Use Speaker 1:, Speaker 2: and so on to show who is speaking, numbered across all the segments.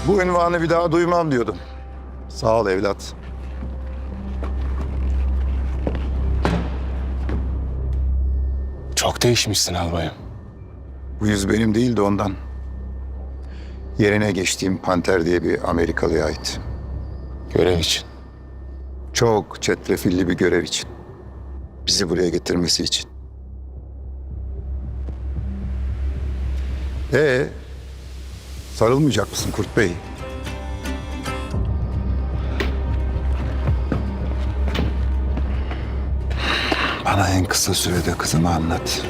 Speaker 1: Bu ünvanı bir daha duymam diyordum. Sağ ol evlat.
Speaker 2: Çok değişmişsin albayım.
Speaker 1: Bu yüz benim değildi ondan. Yerine geçtiğim Panter diye bir Amerikalıya ait.
Speaker 2: Görev için.
Speaker 1: Çok çetrefilli bir görev için. Bizi buraya getirmesi için. Sarılmayacak mısın Kurt Bey? Bana en kısa sürede kızımı anlat.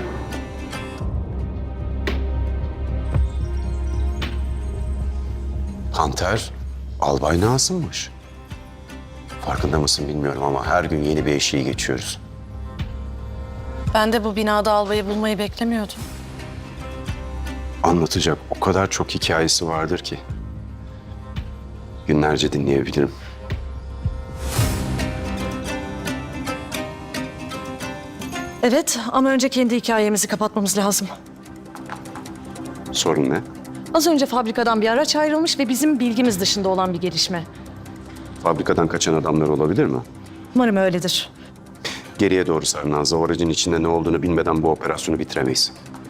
Speaker 3: Panter, Albay Nazım'mış. Farkında mısın bilmiyorum ama her gün yeni bir eşiği geçiyoruz.
Speaker 4: Ben de bu binada albayı bulmayı beklemiyordum.
Speaker 3: Anlatacak o kadar çok hikayesi vardır ki. Günlerce dinleyebilirim.
Speaker 4: Evet ama önce kendi hikayemizi kapatmamız lazım.
Speaker 3: Sorun ne?
Speaker 4: Az önce fabrikadan bir araç ayrılmış ve bizim bilgimiz dışında olan bir gelişme.
Speaker 3: Fabrikadan kaçan adamlar olabilir mi?
Speaker 4: Umarım öyledir.
Speaker 3: Geriye doğru sar Nazlı. O aracın içinde ne olduğunu bilmeden bu operasyonu bitiremeyiz.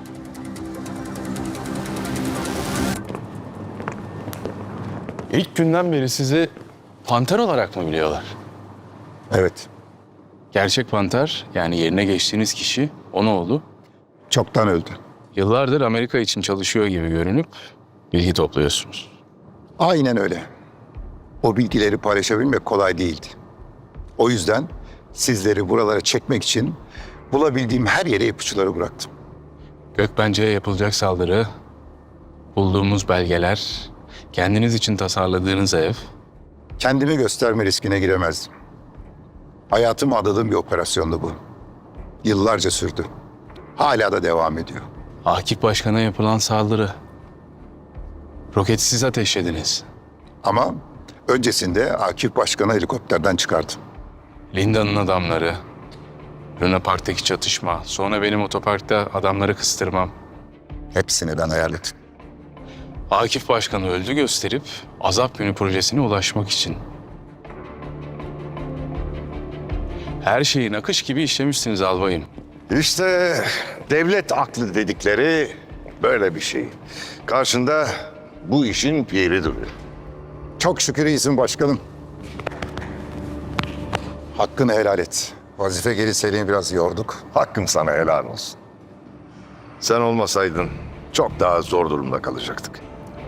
Speaker 2: İlk günden beri sizi panter olarak mı biliyorlar?
Speaker 1: Evet,
Speaker 2: Gerçek panter, yani yerine geçtiğiniz kişi, o ne oldu?
Speaker 1: çoktan öldü.
Speaker 2: Yıllardır Amerika için çalışıyor gibi görünüp bilgi topluyorsunuz.
Speaker 1: Aynen öyle. O bilgileri paylaşabilmek kolay değildi. O yüzden sizleri buralara çekmek için bulabildiğim her yere ipuçları bıraktım.
Speaker 2: Gökbence'ye yapılacak saldırı, bulduğumuz belgeler, kendiniz için tasarladığınız ev.
Speaker 1: Kendimi gösterme riskine giremezdim. Hayatımı adadığım bir operasyondu bu. Yıllarca sürdü. Hala da devam ediyor.
Speaker 2: Akif Başkan'a yapılan saldırı. Roketi siz ateşlediniz.
Speaker 1: Ama öncesinde Akif Başkan'ı helikopterden çıkardım.
Speaker 2: Linda'nın adamları, Luna Park'taki çatışma, sonra benim otoparkta adamları kıstırmam.
Speaker 1: Hepsini ben ayarladım.
Speaker 2: Akif Başkan'ı öldü gösterip Azap Günü projesine ulaşmak için. Her şeyi nakış gibi işlemişsiniz albayım.
Speaker 5: İşte devlet aklı dedikleri böyle bir şey. Karşında bu işin piri duruyor.
Speaker 1: Çok şükür iyisin başkanım. Hakkını helal et. Vazife geri Selim'i biraz yorduk.
Speaker 5: Hakkım sana helal olsun. Sen olmasaydın çok daha zor durumda kalacaktık.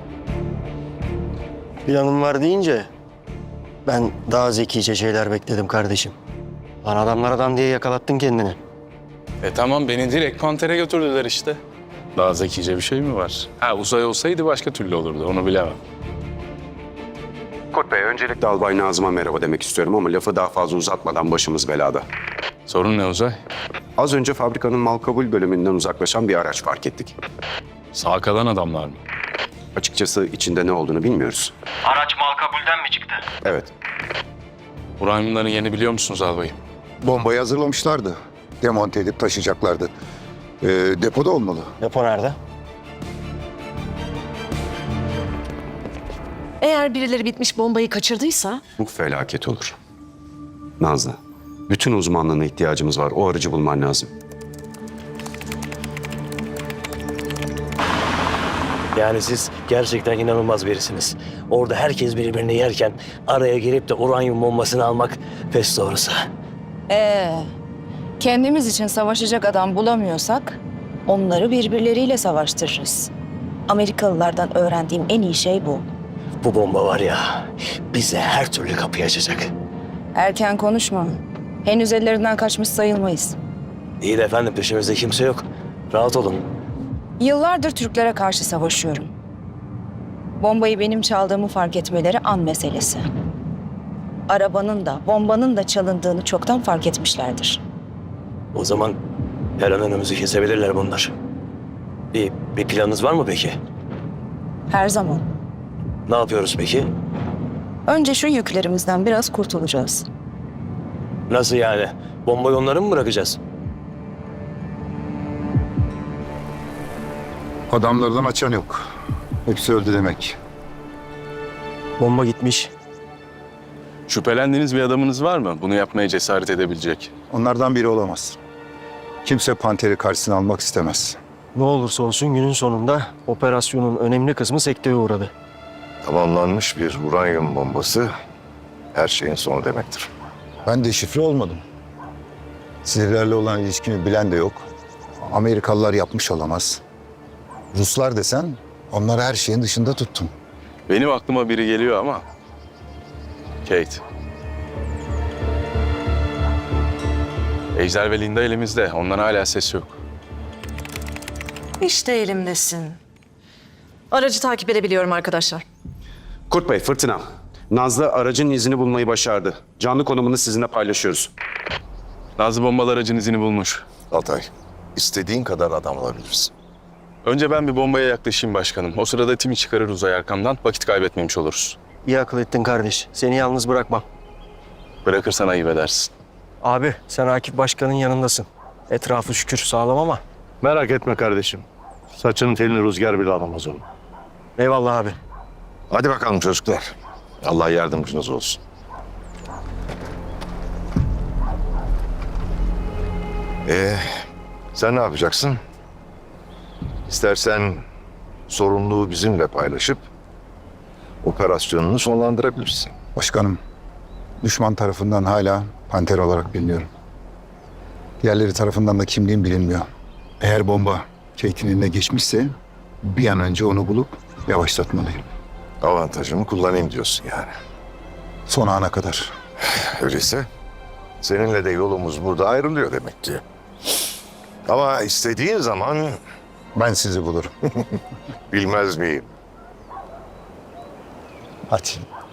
Speaker 6: Planım var deyince ben daha zekice şeyler bekledim kardeşim. Lan adamlar adam diye yakalattın kendini.
Speaker 2: Tamam, beni direkt Panter'e götürdüler işte. Daha zekice bir şey mi var? Ha, uzay olsaydı başka türlü olurdu, onu bilemem.
Speaker 3: Kurt Bey, öncelikle Albay Nazım'a merhaba demek istiyorum ama lafı daha fazla uzatmadan başımız belada.
Speaker 2: Sorun ne Uzay?
Speaker 3: Az önce fabrikanın mal kabul bölümünden uzaklaşan bir araç fark ettik.
Speaker 2: Sağ kalan adamlar mı?
Speaker 3: Açıkçası içinde ne olduğunu bilmiyoruz.
Speaker 6: Araç mal kabulden mi çıktı?
Speaker 3: Evet,
Speaker 2: Uranyumların yerini biliyor musunuz albayım?
Speaker 1: Bombayı hazırlamışlardı. Demonte edip taşıyacaklardı. Depoda olmalı.
Speaker 6: Depo nerede?
Speaker 4: Eğer birileri bitmiş bombayı kaçırdıysa
Speaker 3: bu felaket olur. Nazlı, bütün uzmanlığına ihtiyacımız var. O aracı bulman lazım.
Speaker 6: Yani siz gerçekten inanılmaz birisiniz. Orada herkes birbirini yerken araya girip de uranyum bombasını almak pes doğrusu.
Speaker 7: Kendimiz için savaşacak adam bulamıyorsak onları birbirleriyle savaştırırız. Amerikalılardan öğrendiğim en iyi şey bu.
Speaker 6: Bu bomba var ya bize her türlü kapıyı açacak.
Speaker 7: Erken konuşma. Henüz ellerinden kaçmış sayılmayız.
Speaker 6: İyi de efendim peşimizde kimse yok. Rahat olun.
Speaker 7: Yıllardır Türklere karşı savaşıyorum. Bombayı benim çaldığımı fark etmeleri an meselesi. Arabanın da bombanın da çalındığını çoktan fark etmişlerdir.
Speaker 6: O zaman her an önümüzü kesebilirler bunlar. Bir planınız var mı peki?
Speaker 7: Her zaman.
Speaker 6: Ne yapıyoruz peki?
Speaker 7: Önce şu yüklerimizden biraz kurtulacağız.
Speaker 6: Nasıl yani? Bombayı onlara mı bırakacağız?
Speaker 1: Adamlardan açan yok. Hepsi öldü demek.
Speaker 6: Bomba gitmiş.
Speaker 2: Şüphelendiğiniz bir adamınız var mı? Bunu yapmaya cesaret edebilecek.
Speaker 1: Onlardan biri olamaz. Kimse Panter'i karşısına almak istemez.
Speaker 6: Ne olursa olsun günün sonunda operasyonun önemli kısmı sekteye uğradı.
Speaker 5: Tamamlanmış bir uranyum bombası her şeyin sonu demektir.
Speaker 1: Ben de şifre olmadım. Sizlerle olan ilişkimi bilen de yok. Amerikalılar yapmış olamaz. Ruslar desen onları her şeyin dışında tuttum.
Speaker 2: Benim aklıma biri geliyor ama... Kate. Ejder ve Linda elimizde. Ondan hala ses yok.
Speaker 4: İşte elimdesin. Aracı takip edebiliyorum arkadaşlar.
Speaker 3: Kurt Bey, Fırtına. Nazlı aracın izini bulmayı başardı. Canlı konumunu sizinle paylaşıyoruz.
Speaker 2: Nazlı bombalı aracın izini bulmuş.
Speaker 5: Altay, istediğin kadar adam alabilirsin.
Speaker 2: Önce ben bir bombaya yaklaşayım başkanım. O sırada timi çıkarır uzay arkamdan. Vakit kaybetmemiş oluruz.
Speaker 6: İyi akıl ettin kardeş. Seni yalnız bırakmam.
Speaker 2: Bırakırsan ayıp edersin.
Speaker 6: Abi sen Akif Başkan'ın yanındasın. Etrafı şükür sağlam ama.
Speaker 8: Merak etme kardeşim. Saçının telini rüzgar bile alamaz onu.
Speaker 6: Eyvallah abi.
Speaker 5: Hadi bakalım çocuklar. Allah yardımcınız olsun. Sen ne yapacaksın? İstersen sorumluluğu bizimle paylaşıp operasyonunu sonlandırabilirsin.
Speaker 1: Başkanım, düşman tarafından hala Panter olarak biliniyorum. Diğerleri tarafından da kimliğim bilinmiyor. Eğer bomba Kate'in eline geçmişse bir an önce onu bulup yavaşlatmalıyım.
Speaker 5: Avantajımı kullanayım diyorsun yani.
Speaker 1: Son ana kadar.
Speaker 5: Öyleyse seninle de yolumuz burada ayrılıyor demek ki. Ama istediğin zaman
Speaker 1: Ben sizi bulurum.
Speaker 5: bilmez miyim?
Speaker 1: Hadi.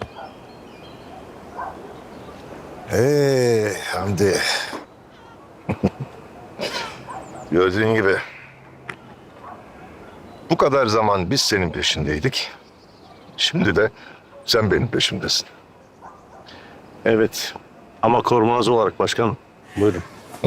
Speaker 5: Hamdi. Gördüğün gibi bu kadar zaman biz senin peşindeydik. Şimdi de sen benim peşimdesin.
Speaker 8: Evet. Ama korumacı olarak başkanım. Buyurun.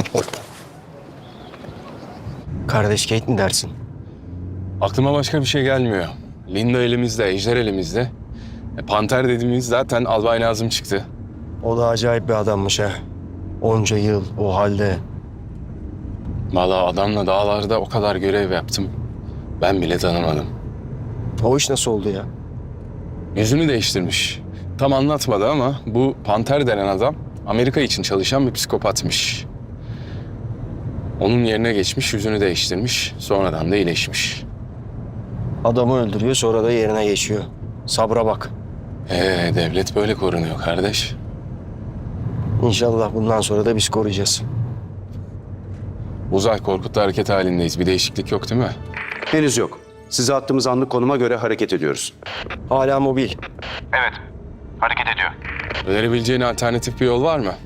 Speaker 6: Kardeş Kate mi dersin?
Speaker 2: Aklıma başka bir şey gelmiyor. Linda elimizde, Ejder elimizde. Panter dediğimiz zaten Albay Nazım çıktı.
Speaker 6: O da acayip bir adammış ha. Onca yıl o halde.
Speaker 2: Vallahi adamla dağlarda o kadar görev yaptım. Ben bile tanımadım.
Speaker 6: O iş nasıl oldu ya?
Speaker 2: Yüzünü değiştirmiş. Tam anlatmadı ama bu Panter denen adam Amerika için çalışan bir psikopatmış. Onun yerine geçmiş, yüzünü değiştirmiş. Sonradan da iyileşmiş.
Speaker 6: Adamı öldürüyor sonra da yerine geçiyor. Sabra bak.
Speaker 2: Devlet böyle korunuyor kardeş.
Speaker 6: İnşallah bundan sonra da biz koruyacağız.
Speaker 2: Uzay Korkut'ta hareket halindeyiz. Bir değişiklik yok değil mi?
Speaker 3: Henüz yok. Size attığımız anlık konuma göre hareket ediyoruz.
Speaker 6: Hala mobil.
Speaker 2: Önerebileceğin alternatif bir yol var mı?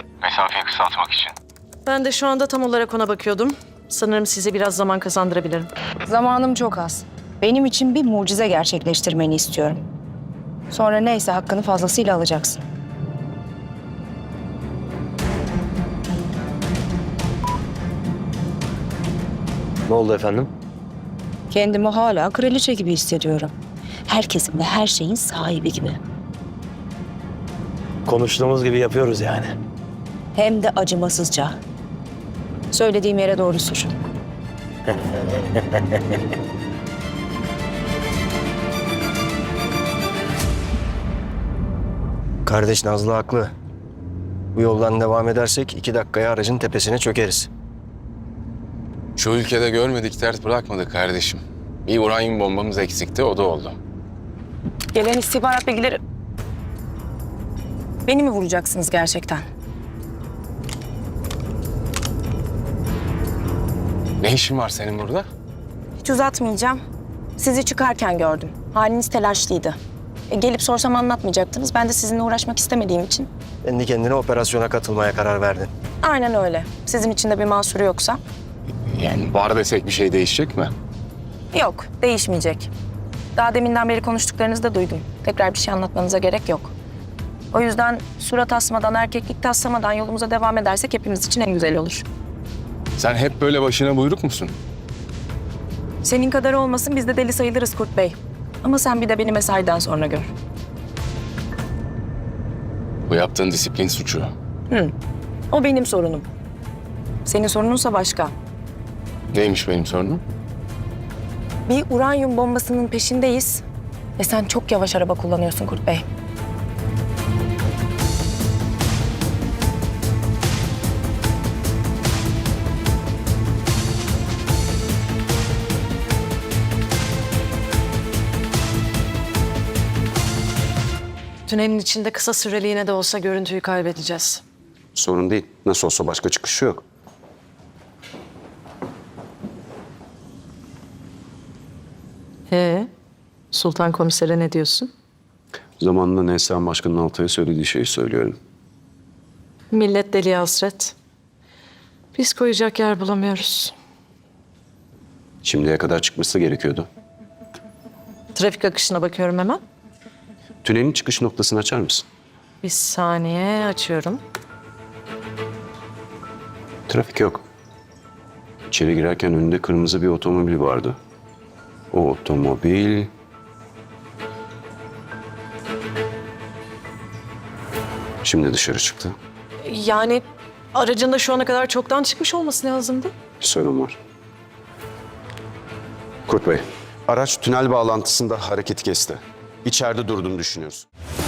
Speaker 4: Ben de şu anda tam olarak ona bakıyordum. Sanırım size biraz zaman kazandırabilirim.
Speaker 7: Zamanım çok az. Benim için bir mucize gerçekleştirmeni istiyorum. Sonra neyse hakkını fazlasıyla alacaksın.
Speaker 6: Ne oldu efendim?
Speaker 7: Kendimi hala kraliçe gibi hissediyorum. Herkesin ve her şeyin sahibi gibi.
Speaker 6: Konuştuğumuz gibi yapıyoruz yani.
Speaker 7: Hem de acımasızca. Söylediğim yere doğru sür.
Speaker 6: Kardeş Nazlı haklı. Bu yoldan devam edersek 2 dakikaya aracın tepesine çökeriz.
Speaker 2: Şu ülkede görmedik dert bırakmadık kardeşim. Bir uranyum bombamız eksikti, o da oldu.
Speaker 7: Gelen istihbarat bilgileri... Beni mi vuracaksınız gerçekten?
Speaker 2: Ne işin var senin burada?
Speaker 9: Hiç uzatmayacağım. Sizi çıkarken gördüm. Haliniz telaşlıydı. Gelip sorsam anlatmayacaktınız. Ben de sizinle uğraşmak istemediğim için.
Speaker 6: Kendi kendine operasyona katılmaya karar verdin.
Speaker 9: Aynen öyle. Sizin için de bir mahsuru yoksa.
Speaker 2: Yani var desek bir şey değişecek mi?
Speaker 9: Yok, değişmeyecek. Daha deminden beri konuştuklarınızı da duydum. Tekrar bir şey anlatmanıza gerek yok. O yüzden surat asmadan, erkeklik taslamadan yolumuza devam edersek hepimiz için en güzel olur.
Speaker 2: Sen hep böyle başına buyruk musun?
Speaker 9: Senin kadar olmasın biz de deli sayılırız Kurt Bey. Ama sen bir de beni mesaiden sonra gör.
Speaker 2: Bu yaptığın disiplin suçu.
Speaker 9: O benim sorunum. Senin sorununsa başka.
Speaker 2: Neymiş benim sorunum?
Speaker 9: Bir uranyum bombasının peşindeyiz. Ve sen çok yavaş araba kullanıyorsun Kurt Bey.
Speaker 4: Tünelin içinde kısa süreliğine de olsa görüntüyü kaybedeceğiz.
Speaker 3: Sorun değil. Nasıl olsa başka çıkışı yok.
Speaker 4: Sultan Komiser'e ne diyorsun?
Speaker 3: Zamanında Neslihan Başkan'ın Altay'a söylediği şeyi söylüyorum.
Speaker 4: Millet deliye hasret. Biz koyacak yer bulamıyoruz.
Speaker 3: Şimdiye kadar çıkması gerekiyordu.
Speaker 4: Trafik akışına bakıyorum hemen.
Speaker 3: Tünelin çıkış noktasını açar mısın?
Speaker 4: Bir saniye açıyorum.
Speaker 3: Trafik yok. İçeri girerken önünde kırmızı bir otomobil vardı. O otomobil... Şimdi dışarı çıktı.
Speaker 4: Yani aracında şu ana kadar çoktan çıkmış olması lazımdı.
Speaker 3: Bir sorun var. Kurt Bey, araç tünel bağlantısında hareketi kesti. İçeride durduğunu düşünüyoruz.